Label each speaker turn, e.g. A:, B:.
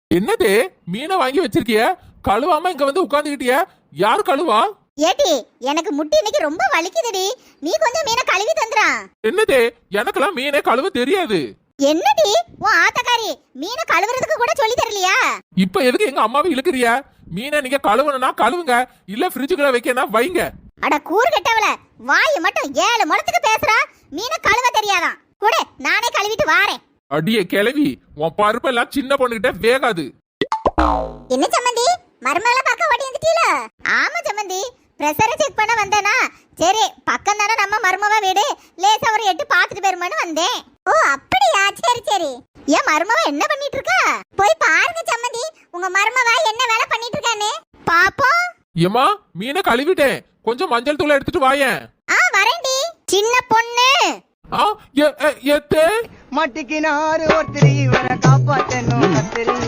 A: என்னதே மீனை வாங்கி வச்சிருக்கிய, கழுவாம இங்க வந்து உட்கார்ந்துகிட்டிய? யாரு கழுவா?
B: ஏடி எனக்கு முட்டி இன்னைக்கு ரொம்ப வலிக்குதுடி, நீ கொஞ்சம் மீனை கழுவி தந்துறா.
A: என்னதே, எனக்கெல்லாம் மீனே கழுவ தெரியாது.
B: என்னடி உன் ஆத்தக்காரி மீனை கழுவுறதுக்கு கூட சொல்லி தரலையா?
A: இப்ப எதுக்கு எங்க அம்மாவை இழுக்கிறியா? மீனை நீங்க கழுவணும்னா கழுவுங்க, இல்ல ஃப்ரிட்ஜுக்குள்ள வைக்கனா வைங்க.
B: அட கூறு கெட்டவள, வாயை மட்டும் 7 முழத்துக்கு பேசுறா. மீனை கழுவ தெரியாதான் கூட, நானே கழுவிட்டு வாரேன்.
A: அடியே கிளவி, உன் பருப்பெல்லாம் சின்ன பொண்ணுகிட்ட வேகாது.
B: என்ன சம்மந்தி, மருமகள பார்க்க ஓடி வந்துட்டீல? ஆமா சம்மந்தி, பிரஷரை செக் பண்ண வந்தேனா, சரி பக்கம் தானே நம்ம மருமவ வீடு, லேசா ஒரு 8 பார்த்துட்டு போயிருமான்னு வந்தேன். ஓ அப்படியா, சரி சரி. ஏன் மருமவ என்ன பண்ணிட்டு இருக்கா? போய் பாருங்க சம்மந்தி, உங்க மருமவ என்ன வேலை பண்ணிட்டு இருக்கான்னு பாப்போம்.
A: ஏமா, மீனை கழுவிட்டேன், கொஞ்சம் மஞ்சள் தூளை எடுத்துட்டு வாயேன்.
B: வரேன்டி சின்ன பொண்ணு.
A: எத்தே
C: மட்டிக்கினாரு ஒருத்தரி இவரை காப்பாத்தணும் கத்திரி.